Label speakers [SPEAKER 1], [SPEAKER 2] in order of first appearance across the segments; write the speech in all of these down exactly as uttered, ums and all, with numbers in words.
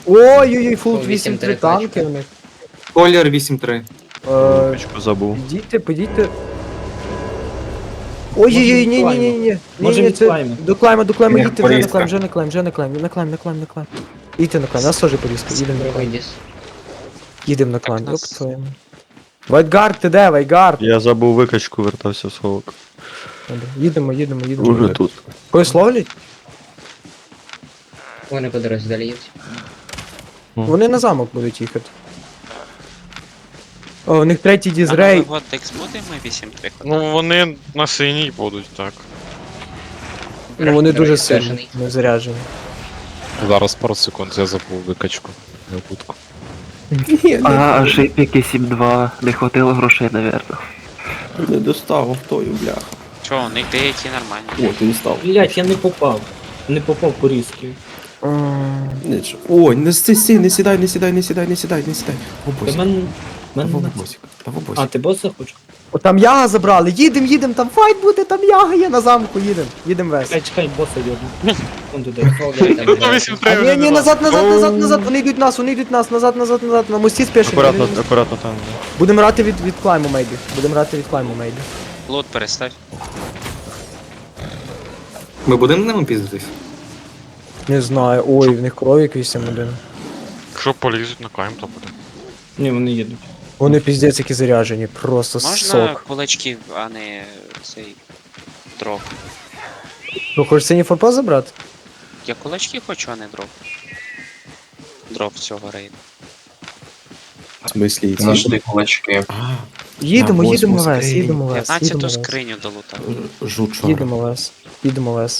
[SPEAKER 1] Ой-ой-ой, фулт
[SPEAKER 2] О,
[SPEAKER 1] вісім три
[SPEAKER 2] вісім три
[SPEAKER 1] танки
[SPEAKER 2] тачка.
[SPEAKER 1] у них.
[SPEAKER 3] Колір вісім три.
[SPEAKER 1] Е,
[SPEAKER 4] Печку забув.
[SPEAKER 1] Підійте, підійте. Ой-ой-ой, ні, ні, ні, ні.
[SPEAKER 5] Може,
[SPEAKER 1] Ні, ні, це
[SPEAKER 5] відклаймо?
[SPEAKER 1] до клайма, до клайма,
[SPEAKER 3] Ні,
[SPEAKER 1] їдьте вже на
[SPEAKER 3] порізка.
[SPEAKER 1] клайм, вже на клайм, вже на клайм, на клайм, на клайм, на клайм. Їдьте на клайм, нас теж порізка, їдемо на
[SPEAKER 2] Другий
[SPEAKER 1] клайм.
[SPEAKER 2] діс.
[SPEAKER 1] Їдемо на клайм,
[SPEAKER 6] нас-
[SPEAKER 1] оп твоєму. Вайтгард, ти де, Вайтгард?
[SPEAKER 4] Я забув викачку, вертався в сховок.
[SPEAKER 1] Добре, Їдемо, їдемо, їдемо.
[SPEAKER 4] Уже тут.
[SPEAKER 1] Когось ловлять?
[SPEAKER 2] Вони по дорозі далі їдуть.
[SPEAKER 1] Вони на замок будуть їхати. О, у них третій дізрей.
[SPEAKER 6] От Декс буде ми вісім три.
[SPEAKER 7] Ну вони на синій будуть, так.
[SPEAKER 1] Ну вони дуже
[SPEAKER 2] Дорогий
[SPEAKER 1] сильно
[SPEAKER 2] заряджений.
[SPEAKER 1] не заряджені.
[SPEAKER 8] Зараз пару секунд, я забув викачку. Не будку.
[SPEAKER 9] А, шипіки сім два, не хватило грошей, навірно.
[SPEAKER 3] Не достав автою, бляха.
[SPEAKER 6] Чого, у них деякі нормальні.
[SPEAKER 3] О, ти не став.
[SPEAKER 5] Блять, я не попав. Не попав по різки.
[SPEAKER 1] М,
[SPEAKER 3] Нічого. Ой, не сі, не сідай, не сідай, не сідай, не сідай, не сідай.
[SPEAKER 5] Та
[SPEAKER 3] Бобосик.
[SPEAKER 5] мен...
[SPEAKER 3] Та
[SPEAKER 5] мен...
[SPEAKER 3] бобосик. Та
[SPEAKER 5] А,
[SPEAKER 3] бобосик.
[SPEAKER 5] ти боса хочеш?
[SPEAKER 1] О, там яга забрали, їдем, їдем, там файт буде, там яга є на замку, їдем. Їдем весь.
[SPEAKER 5] Чекай, чекай, боса йобну. Он туди.
[SPEAKER 7] Ну вісім три
[SPEAKER 1] А ні, ні, назад, назад, назад, назад, вони йдуть нас, вони йдуть нас, назад, назад, назад, на мості спешені.
[SPEAKER 4] Акуратно,
[SPEAKER 1] Вони-
[SPEAKER 4] акуратно там.
[SPEAKER 1] Будемо грати від, від клайму, мейбі. Будемо грати від клайму, мейбі.
[SPEAKER 6] Лот перестав.
[SPEAKER 3] Ми будемо ними піздитись?
[SPEAKER 1] Не знаю, ой, в них кровік вісім один.
[SPEAKER 7] Якщо полізуть на клайм, то буде.
[SPEAKER 5] Ні, вони їдуть.
[SPEAKER 1] Вони піздець які заряджені, просто
[SPEAKER 6] Можна
[SPEAKER 1] сок.
[SPEAKER 6] кулачки, а не цей дроп.
[SPEAKER 1] Ну, хочеш синій форпост забрати?
[SPEAKER 6] Я кулачки хочу, а не дроп. Дроп цього рейду.
[SPEAKER 3] В смислі, ці?
[SPEAKER 10] Нашли кулачки.
[SPEAKER 3] А,
[SPEAKER 1] Їдемо,
[SPEAKER 3] На
[SPEAKER 1] їдемо
[SPEAKER 3] восьму
[SPEAKER 1] вес,
[SPEAKER 3] скриню.
[SPEAKER 1] їдемо вес, їдемо
[SPEAKER 6] п'ятнадцяту
[SPEAKER 1] вес.
[SPEAKER 6] скриню долутав.
[SPEAKER 3] жучара.
[SPEAKER 1] Їдемо вес, їдемо вес.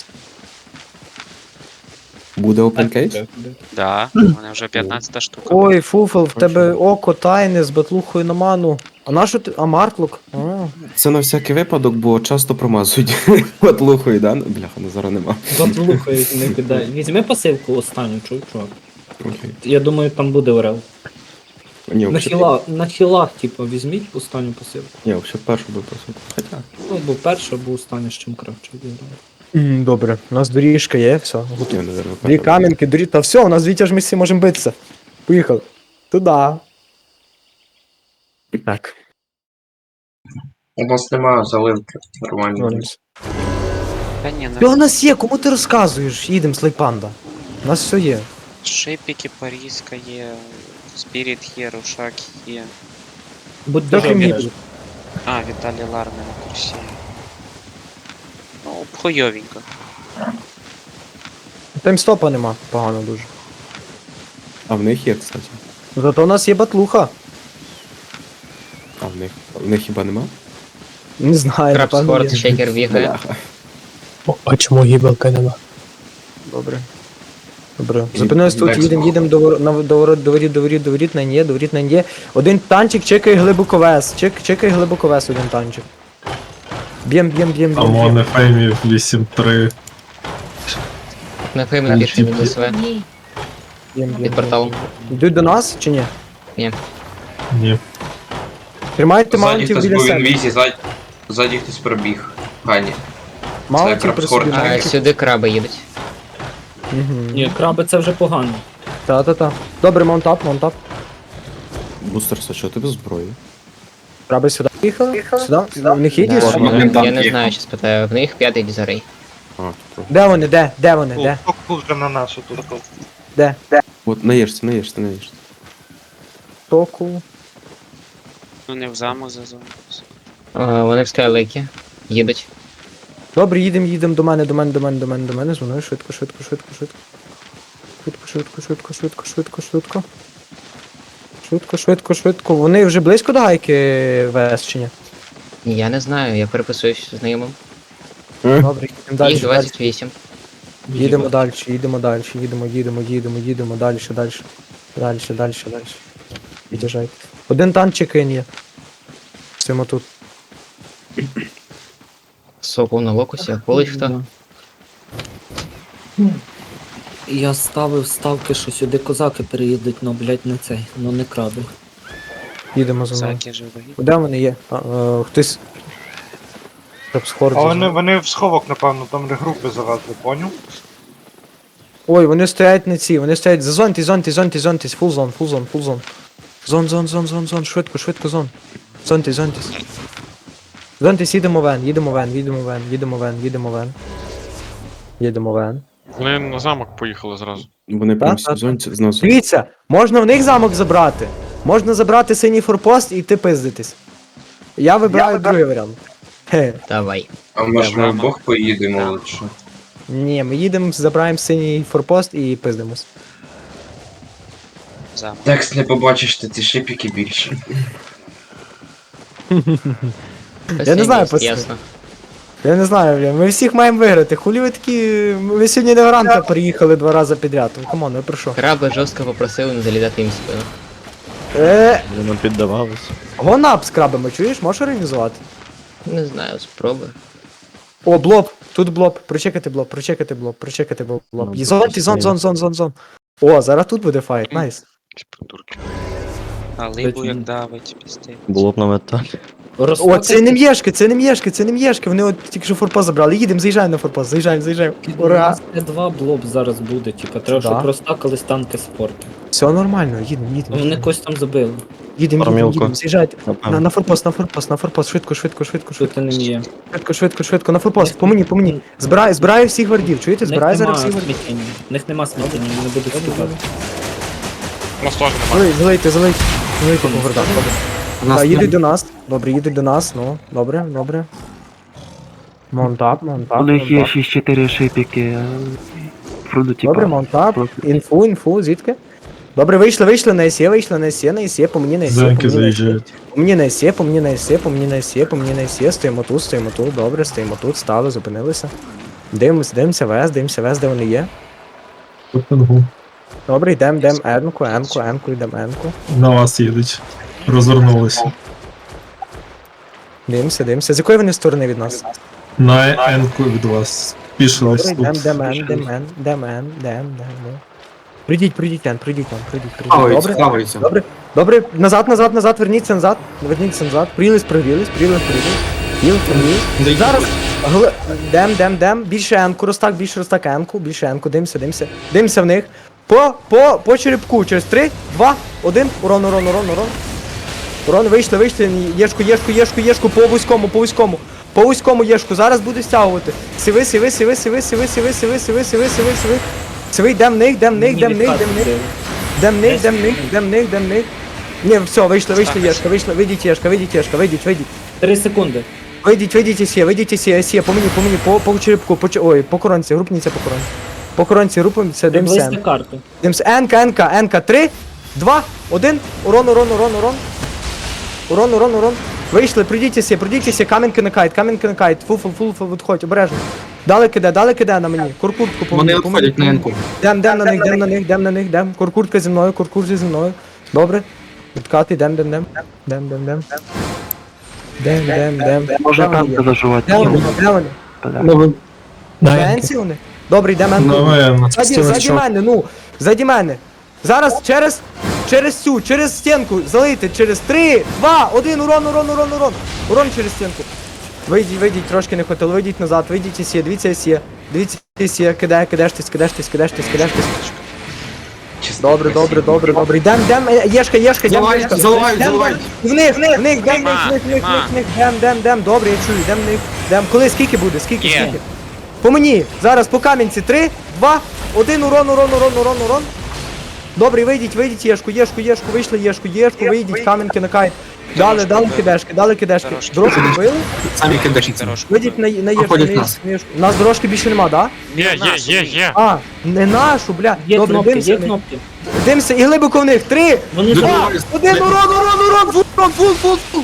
[SPEAKER 3] Буде open case?
[SPEAKER 6] Да, у мене вже п'ятнадцята штука.
[SPEAKER 1] Ой, Фуфел, в тебе око тайне з батлухою на ману. А на що ти? А Мартлок? А.
[SPEAKER 3] Це на всякий випадок, бо часто промазують. От лухою, да? Бляха, ну зараз нема.
[SPEAKER 5] Заплухай, не кидай. Візьми пасивку останню, чув, чувак.
[SPEAKER 3] Окей.
[SPEAKER 5] Я думаю, там буде орел.
[SPEAKER 3] Ні,
[SPEAKER 5] На
[SPEAKER 3] взагалі,
[SPEAKER 5] хіла, на хілах, типу, візьміть останню пасивку.
[SPEAKER 3] ні, взагалі першу би просив. Хоча.
[SPEAKER 5] Ну, або перша, або остання, з чим краще буде.
[SPEAKER 1] М, Добре, у нас доріжка є, все.
[SPEAKER 3] Ні, наверное,
[SPEAKER 1] Дві
[SPEAKER 3] перша.
[SPEAKER 1] камінки, доріжка, та все, у нас вітя ж ми всі можемо битися. Поїхали. Туда. Так,
[SPEAKER 10] У нас немає заливки нормальної.
[SPEAKER 1] вернемось.
[SPEAKER 6] Та ні,
[SPEAKER 1] Що у
[SPEAKER 6] на
[SPEAKER 1] нас є? Кому ти розказуєш? Їдемо, Слейпанда. У нас все є.
[SPEAKER 6] шипіки, Парізка є, Спіріт є, Рушак є.
[SPEAKER 5] Будь
[SPEAKER 1] Трохи
[SPEAKER 5] дуже
[SPEAKER 1] мій.
[SPEAKER 5] обережний.
[SPEAKER 6] А, Віталій Ларне на курсі. Ну, хуйовенько.
[SPEAKER 1] Таймстопа нема, погано дуже.
[SPEAKER 3] А в них є, кстати.
[SPEAKER 1] Зато у нас є батлуха.
[SPEAKER 3] А в них. В них хіба нема?
[SPEAKER 1] Не знаю,
[SPEAKER 2] Краб
[SPEAKER 1] напевно
[SPEAKER 2] спорт,
[SPEAKER 1] є.
[SPEAKER 2] шейкер бігає.
[SPEAKER 3] Бляха.
[SPEAKER 11] А чому гібелка нема?
[SPEAKER 1] Добре. Добре. Зупинились тут, їдемо, їдемо до вор- на- до ворот, до воріт, до воріт, до воріт, на нє, до воріт, на нє. Один танчик чекає глибоковес. Чек, чекає глибоковес один танчик. Б'єм, б'єм, б'єм, б'єм. б'єм.
[SPEAKER 8] Феймі вісім три.
[SPEAKER 2] На феймі більше від СВ.
[SPEAKER 1] Б'єм, б'єм,
[SPEAKER 2] Під
[SPEAKER 1] б'єм.
[SPEAKER 2] порталом.
[SPEAKER 1] Йдуть до нас чи ні?
[SPEAKER 8] Ні.
[SPEAKER 1] Тримайте
[SPEAKER 10] Ззаді
[SPEAKER 1] маунтів
[SPEAKER 10] хтось
[SPEAKER 1] біля
[SPEAKER 10] був в
[SPEAKER 1] себе.
[SPEAKER 10] інвізі, ззаді, ззаді хтось пробіг. Гані.
[SPEAKER 1] Маунтів
[SPEAKER 10] Краб
[SPEAKER 1] при
[SPEAKER 10] Скорт.
[SPEAKER 1] собі.
[SPEAKER 2] А
[SPEAKER 1] маунтів.
[SPEAKER 2] сюди краби їдуть.
[SPEAKER 1] Мгм.
[SPEAKER 5] Ні, краби це вже погано.
[SPEAKER 1] Та-та-та. Добре, маунтап, маунтап.
[SPEAKER 3] Бустерса, що ти без зброї?
[SPEAKER 1] Краби сюди їхали? Сюди? В них є
[SPEAKER 2] Да,
[SPEAKER 1] дійсно?
[SPEAKER 10] Ладно,
[SPEAKER 2] я,
[SPEAKER 10] він там
[SPEAKER 2] я не
[SPEAKER 10] їхав.
[SPEAKER 2] знаю, що спитаю. В них п'ятий дізарей.
[SPEAKER 3] А, тут.
[SPEAKER 1] Де вони, де? Де вони, де?
[SPEAKER 7] вже на нас отут.
[SPEAKER 1] Де?
[SPEAKER 3] От наїжся, наїжся, наїжся.
[SPEAKER 1] Току.
[SPEAKER 6] Ну не в замок зазов.
[SPEAKER 2] Е, Вони в скайлейкі. Їдуть.
[SPEAKER 1] Добре, їдемо, їдемо до мене, до мене, до мене, до мене, до мене. Зі мною швидко, швидко, швидко, швидко. Швидко, швидко, швидко, швидко, швидко, швидко. Швидко, швидко, швидко. Вони вже близько до гайки ВС чи ні?
[SPEAKER 2] Я не знаю, я переписуюсь з знайомим.
[SPEAKER 1] Добре, їдемо далі.
[SPEAKER 2] Їх
[SPEAKER 1] далі.
[SPEAKER 2] двадцять вісім.
[SPEAKER 1] Їдемо далі, їдемо далі, їдемо, їдемо, їдемо, їдемо, далі, далі. Далі, далі, далі. Від'їжджайте. Один танчик є. Стоїмо тут.
[SPEAKER 2] Сокол на локусі, а колить хто?
[SPEAKER 5] Я ставив ставки, що сюди козаки переїдуть, ну, блять, не цей, ну не краби.
[SPEAKER 1] Їдемо за мною.
[SPEAKER 6] Заки живий.
[SPEAKER 1] Де вони є? А, е, хтось. Щоб схор.
[SPEAKER 7] А вони, вони в сховок, напевно, там де групи завезли, поняв?
[SPEAKER 1] Ой, вони стоять на ці, вони стоять. Зазоньтесь, зоньтесь, зоньтесь, зоньтесь. Фул зон, фул зон, фул зон. Зон, зон, зон, зон, зон. Швидко, швидко зон. Зоньтесь, зоньтесь. Зоньтесь, їдемо вен, їдемо вен, їдемо вен, їдемо вен, їдемо вен. Їдемо вен.
[SPEAKER 7] Вони на замок поїхали зразу.
[SPEAKER 3] Вони прям
[SPEAKER 1] Так, так,
[SPEAKER 3] сезонці зносять.
[SPEAKER 1] Дивіться, можна в них замок забрати. Можна забрати синій форпост і йти пиздитись. Я вибираю другий варіант. Хе.
[SPEAKER 2] Давай.
[SPEAKER 10] А може ми
[SPEAKER 6] Замок.
[SPEAKER 10] вдвох поїдемо лучше?
[SPEAKER 1] Ні, ми їдемо, забираємо синій форпост і пиздимось.
[SPEAKER 6] Замок.
[SPEAKER 10] Текст не побачиш, ти ці шипіки більше.
[SPEAKER 1] Я не знаю,
[SPEAKER 2] Ясно.
[SPEAKER 1] пацани.
[SPEAKER 2] Ясно.
[SPEAKER 1] Я не знаю, бля, ми всіх маємо виграти. Хулі ви такі. Ви сьогодні на Гранта приїхали два рази підряд. Ну, камон, ви про що?
[SPEAKER 2] Краби жорстко попросили не залітати їм в спину.
[SPEAKER 1] Е,
[SPEAKER 4] Вони нам піддавались.
[SPEAKER 1] гонап з крабами, чуєш? Можеш організувати?
[SPEAKER 2] Не знаю, спробуй.
[SPEAKER 1] О, блоб, тут блоб, прочекати блоб, прочекати блоб, прочекати блоб.
[SPEAKER 4] Ну,
[SPEAKER 1] І зон, і зон, зон, зон, зон, зон. О, зараз тут буде файт, найс.
[SPEAKER 7] Ці придурки.
[SPEAKER 6] А либу як давить, пізди.
[SPEAKER 4] Було б на металі.
[SPEAKER 1] О, це не м'єшки, це не м'єшки, це не м'єшки, вони от тільки що форпост забрали. Їдемо, заїжджаємо на форпост, заїжджаємо, заїжджаємо.
[SPEAKER 5] У
[SPEAKER 1] Ура!
[SPEAKER 5] нас Т два блоб зараз буде, типа, треба,
[SPEAKER 1] Да.
[SPEAKER 5] щоб розтакались танки спорти.
[SPEAKER 1] Все нормально, їдемо, їдемо.
[SPEAKER 5] Вони когось там забили.
[SPEAKER 1] Їдемо, їдемо,
[SPEAKER 4] Армілку.
[SPEAKER 1] їдемо, заїжджайте. На,
[SPEAKER 4] Напевно.
[SPEAKER 1] на форпост, на форпост, на форпост, швидко, швидко, швидко,
[SPEAKER 5] Що
[SPEAKER 1] швидко.
[SPEAKER 5] ти не є.
[SPEAKER 1] Швидко, швидко, швидко, на форпост, по мені, по мені. Збираю, збираю всіх гвардів, чуєте?
[SPEAKER 5] В них
[SPEAKER 1] Збираю
[SPEAKER 5] нема
[SPEAKER 1] зараз всіх гвардів.
[SPEAKER 5] сміттєння. В них нема сміттєння, вони не будуть скидати.
[SPEAKER 7] У нас теж немає.
[SPEAKER 1] Залийте, залийте, залийте. Залийте по гвардах, добре.
[SPEAKER 3] У нас
[SPEAKER 1] Так, їдуть
[SPEAKER 3] там-
[SPEAKER 1] до нас. Добре, їдуть до нас, ну, добре, добре. Монтап, монтап,
[SPEAKER 9] У них є
[SPEAKER 1] монтап.
[SPEAKER 9] шість чотири шипіки. Фруду, типа.
[SPEAKER 1] Добре, монтап.
[SPEAKER 9] просто.
[SPEAKER 1] Інфу, інфу, звідки? Добре, вийшли, вийшли на ЕСЄ, вийшли на ЕСЄ, на ЕСЄ, по мені на ЕСЄ, по мені на ЕСЄ. По мені на ЕСЄ, по мені на ЕСЄ, по мені на ЕСЄ, по мені на ЕСЄ, стоїмо тут, стоїмо тут, добре, стоїмо тут, стали, зупинилися. Дивимось, дивимося вес, дивимося вес, де вони є. Добре, йдемо, йдемо, енку, енку, енку, йдемо, енку.
[SPEAKER 11] На вас їдуть. Розвернулися.
[SPEAKER 1] Дивимося, дивимося. З якої вони сторони від нас?
[SPEAKER 11] На енку від вас. Пішились
[SPEAKER 1] Добре, йдемо,
[SPEAKER 11] тут.
[SPEAKER 1] йдемо, ен, йдемо, ен, йдемо, ен, йдемо, йдемо. Прийдіть, прийдіть, ен, прийдіть, ен, прийдіть, прийдіть.
[SPEAKER 3] Хаваються,
[SPEAKER 1] Добре,
[SPEAKER 3] хаваються.
[SPEAKER 1] добре, добре, назад, назад, назад, верніться назад, верніться назад, приліз, пригрілись, приліз, пригрілись, приліз, пригрілись. Зараз, гли- дем, дем, дем, більше енку, розтак, більше розтак енку, більше енку, дивимося, дивимося, дивимося в них. По, по, по черепку, через три, два, один, урон, урон, урон, урон. Урон, вийшли, вийшли, єшку, єшку, єшку, єшку, по вузькому, по вузькому. По вузькому єшку, зараз буду стягувати. Сиви, сиви, сиви, сиви, сиви, сиви, сиви, сиви, сиви, сиви, сиви. Сиви, дем них, дем них, дем них, дем них. Дем них, дем них, дем них, дем них. Ні, все, вийшли, вийшли, єшка, вийшли, вийдіть, єшка, вийдіть, єшка, вийдіть, вийдіть.
[SPEAKER 5] Три секунди.
[SPEAKER 1] Вийдіть, вийдіть, ісє, вийдіть, ісє, ісє, по мені, по мені, по, по черепку, по, че- ой, по коронці, групніться по коронці. По коронці, групніться, дивимося.
[SPEAKER 5] Приблизьте карту.
[SPEAKER 1] Дивимося, енка, енка, енка, три, два, один, урон, урон, урон, урон. Урон, урон, урон. Вийшли, прийдіть, прийдіть, камінки на кайт, камінки на кайт, фул, фул, фул, фул, відходь, обережно. Дали киде, дали киде на мені, куркуртку по мені, по мені.
[SPEAKER 3] енку.
[SPEAKER 1] Дем, дем на них, дем на них, дем на них, дем. Куркуртка зі мною, куркурт зі мною. Добре. Відкати, дем, дем, дем. Дем, дем, дем. Дем, дем, дем.
[SPEAKER 9] Можна
[SPEAKER 1] Де вони
[SPEAKER 9] танки
[SPEAKER 1] є?
[SPEAKER 9] зажувати.
[SPEAKER 1] Де вони? Де вони?
[SPEAKER 9] Бля.
[SPEAKER 1] Фенсі вони? Добре, йдемо енку.
[SPEAKER 11] Давай,
[SPEAKER 1] Ззаді, ззаді мене, ну, ззаді мене. Зараз через, через цю, через стінку залийте, через три, два, один, урон, урон, урон, урон. Урон через стінку. Вийдіть, вийдіть, трошки не хотіло, вийдіть назад, вийдіть ісє, дивіться ісє, дивіться ісє, кидає, кидаєштесь, кидаєштесь, кидаєштесь, кидаєштесь.
[SPEAKER 10] Чисто
[SPEAKER 1] Добре, добре, добре, добре. Йдем, йдем, е, єшка, єшка, йдем,
[SPEAKER 3] Заливають,
[SPEAKER 1] єшка.
[SPEAKER 3] заливають,
[SPEAKER 1] Йдем,
[SPEAKER 3] заливають.
[SPEAKER 1] В них, в них, в них, йдем, в них,
[SPEAKER 6] Нема,
[SPEAKER 1] в них, в них,
[SPEAKER 6] нема.
[SPEAKER 1] в них, йдем, йдем, йдем. Добре, я чую, йдем в них, йдем. Коли, скільки буде, скільки,
[SPEAKER 6] Є.
[SPEAKER 1] скільки? По мені, зараз по камінці, три, два, один, урон, урон, урон, урон, урон. Добре, вийдіть, вийдіть, єшку, єшку, єшку, вийшли, єшку, єшку, вийдіть, камінки на кайт. Дали, дали кидешки, дали кидешки.
[SPEAKER 6] Дорожки.
[SPEAKER 1] Дорожку добили?
[SPEAKER 3] Самі кидачниці.
[SPEAKER 6] Дорожку.
[SPEAKER 1] Вийдіть на, на єшку,
[SPEAKER 3] Проходять
[SPEAKER 1] на
[SPEAKER 3] нас.
[SPEAKER 1] єшку, на єшку. У нас дорожки більше нема, да?
[SPEAKER 7] Є, є, є, є.
[SPEAKER 1] А, не нашу, бля.
[SPEAKER 5] Є
[SPEAKER 1] Добре,
[SPEAKER 5] кнопки,
[SPEAKER 1] дивимося
[SPEAKER 5] є
[SPEAKER 1] в них.
[SPEAKER 5] кнопки.
[SPEAKER 1] Дивимося і глибоко в них. Три,
[SPEAKER 5] Вони
[SPEAKER 1] два,
[SPEAKER 5] забрали.
[SPEAKER 1] один, урон, урон, урон, фул, урон, фул, фул, фул.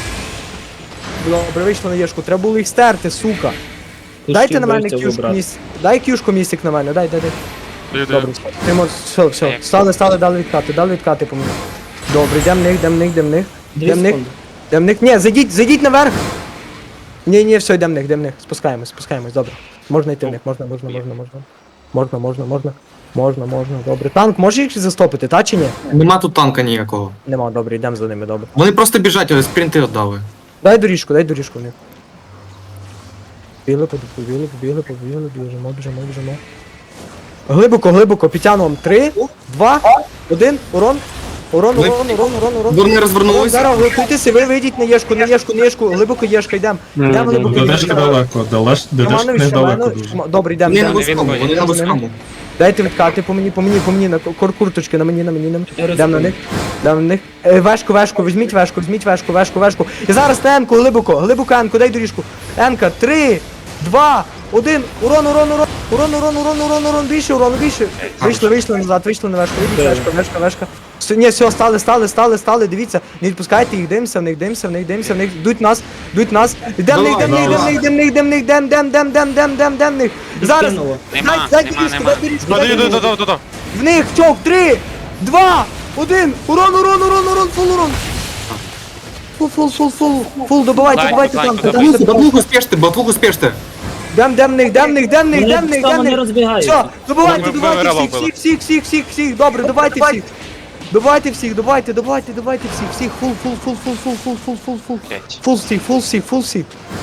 [SPEAKER 1] Добре, вийшло на єшку, треба було їх стерти, сука. Дайте на мене кюшку місць. Дай кюшку містик на мене, дай, дай, дай.
[SPEAKER 7] Йди.
[SPEAKER 1] Добре, все, все, все. Стали, стали, дали відкати, дали відкати по мені. Добре, йдем в них, йдем в них, йдем в них.
[SPEAKER 5] Дві
[SPEAKER 1] Йдем в них,
[SPEAKER 5] секунди.
[SPEAKER 1] йдем в них. Ні, зайдіть, зайдіть наверх. Ні, ні, все, йдем в них, йдем в них. Спускаємось, спускаємось, добре. Можна йти в них, можна, можна, можна, можна. Можна, можна, можна. Можна, можна, добре. Танк може їх застопити, та чи ні?
[SPEAKER 3] Нема тут танка ніякого.
[SPEAKER 1] Нема, добре, йдемо за ними, добре.
[SPEAKER 3] Вони просто біжать, але спринти віддали.
[SPEAKER 1] Дай доріжку, дай доріжку в них. Побігли, побігли, побігли, побігли, біжимо, біжимо, біжимо. Глибоко, глибоко, підтягуємо. Три, два, один, урон. Урон, урон, урон, урон, урон.
[SPEAKER 3] Вони
[SPEAKER 1] Урон,
[SPEAKER 3] розвернулися.
[SPEAKER 1] зараз готуйтеся, ви вийдіть на єшку, на єшку, на єшку, глибоко єшка, йдемо. Йдемо глибоко
[SPEAKER 11] Додешка
[SPEAKER 1] єшка.
[SPEAKER 11] далеко, далеш, додешка
[SPEAKER 1] Романович,
[SPEAKER 11] недалеко
[SPEAKER 1] Романович,
[SPEAKER 11] дуже.
[SPEAKER 1] М- добре, йдемо,
[SPEAKER 3] Вони на
[SPEAKER 1] йдемо.
[SPEAKER 3] вузькому, вони на вузькому.
[SPEAKER 1] Дайте відкати по мені, по мені, по мені, на кор курточки, на мені, на мені, на мені. Йдемо на них, йдемо на них. Е, Вешку, вешку, візьміть вешку, візьміть вешку, вешку, вешку. І зараз на енку, глибоко, глибоко енку, дай доріжку. Енка, три, два, один, урон, урон, урон, урон, урон, урон, урон, урон, більше, урон, більше. Вийшли, вийшли назад, вийшли на вешку, вийдіть вешка, вешка, вешка. Все, ні, все, стали, стали, стали, стали, дивіться, не відпускайте їх, дивимося в них, дивимося в них, дивимося в них, йдуть нас, йдуть нас. Йдем в них, йдем в них, йдем в них, йдем в них, йдем в них, йдем, йдем, йдем, йдем, йдем, йдем, йдем в них. Зараз,
[SPEAKER 5] Відкинуло.
[SPEAKER 6] Нема,
[SPEAKER 1] дай, дай
[SPEAKER 6] нема,
[SPEAKER 1] доріжку,
[SPEAKER 6] нема.
[SPEAKER 1] дай доріжку, дай
[SPEAKER 7] Додаю,
[SPEAKER 1] доріжку.
[SPEAKER 7] додаю, додаю.
[SPEAKER 1] В них чок, три, два, один, урон, урон, урон, урон, фул урон. Фул, фул, фул, фул, фул, добивайте,
[SPEAKER 6] Лайк,
[SPEAKER 1] добивайте
[SPEAKER 6] лайк,
[SPEAKER 1] там.
[SPEAKER 6] давай.
[SPEAKER 3] Батлуху, батлуху спеште, батлуху спеште.
[SPEAKER 1] Дем, дем в них, дем в них, дем в них, дем в них,
[SPEAKER 5] Вони
[SPEAKER 1] дем в
[SPEAKER 5] не
[SPEAKER 1] них.
[SPEAKER 5] розбігаються.
[SPEAKER 1] Все, добивайте,
[SPEAKER 7] Ми- ми
[SPEAKER 1] добивайте
[SPEAKER 7] рело
[SPEAKER 1] всіх,
[SPEAKER 7] били.
[SPEAKER 1] всіх, всіх, всіх, всіх, всіх, добре, добивайте всіх. Добивайте всіх, добивайте, добивайте, добивайте всіх, всіх, фул, фул, фул, фул, фул, фул, фул, фул, фул.
[SPEAKER 6] Блять.
[SPEAKER 1] Фул всіх, фул всіх, фул всіх.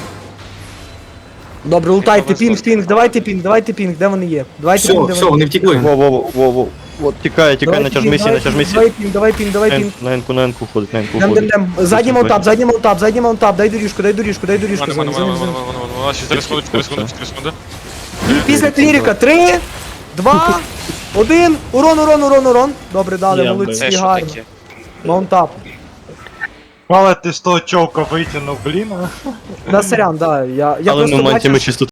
[SPEAKER 1] Добре, лутайте, пінг, пінг, давайте пінг, давайте пінг, де вони є? Давайте
[SPEAKER 3] Все,
[SPEAKER 1] пінг, де
[SPEAKER 3] все,
[SPEAKER 1] вони
[SPEAKER 3] вони
[SPEAKER 1] є.
[SPEAKER 3] втекли.
[SPEAKER 4] Во, во, во, во, во. От, тікає, тікає,
[SPEAKER 1] Давайте
[SPEAKER 4] натяжми
[SPEAKER 1] пінг,
[SPEAKER 4] сі,
[SPEAKER 1] давай
[SPEAKER 4] натяжми
[SPEAKER 1] пінг,
[SPEAKER 4] сі.
[SPEAKER 1] Давай пінг, давай пінг, давай пінг.
[SPEAKER 4] На енку, на енку ходить, на енку
[SPEAKER 1] Дем, дем,
[SPEAKER 4] ходить.
[SPEAKER 1] дем. Задній маунтап, задній маунтап, задній маунтап, дай доріжку, дай доріжку, дай доріжку.
[SPEAKER 7] Мене, мене,
[SPEAKER 1] Займ,
[SPEAKER 7] мене,
[SPEAKER 1] займ,
[SPEAKER 7] мене,
[SPEAKER 1] займ.
[SPEAKER 7] мене, мене. Ще чотири секунди, чотири секунди, чотири секунди.
[SPEAKER 1] Після кліріка, три, два, один, урон, урон, урон, урон. Добре, дали,
[SPEAKER 5] Я,
[SPEAKER 6] Це
[SPEAKER 1] молодці,
[SPEAKER 6] що
[SPEAKER 1] гарно.
[SPEAKER 6] таке?
[SPEAKER 1] Маунтап.
[SPEAKER 11] Але ти з того човка витягнув, блін.
[SPEAKER 1] Да, сорян, да, я, я
[SPEAKER 4] Але
[SPEAKER 1] просто
[SPEAKER 4] на моменті
[SPEAKER 1] бачив,
[SPEAKER 4] ми чисто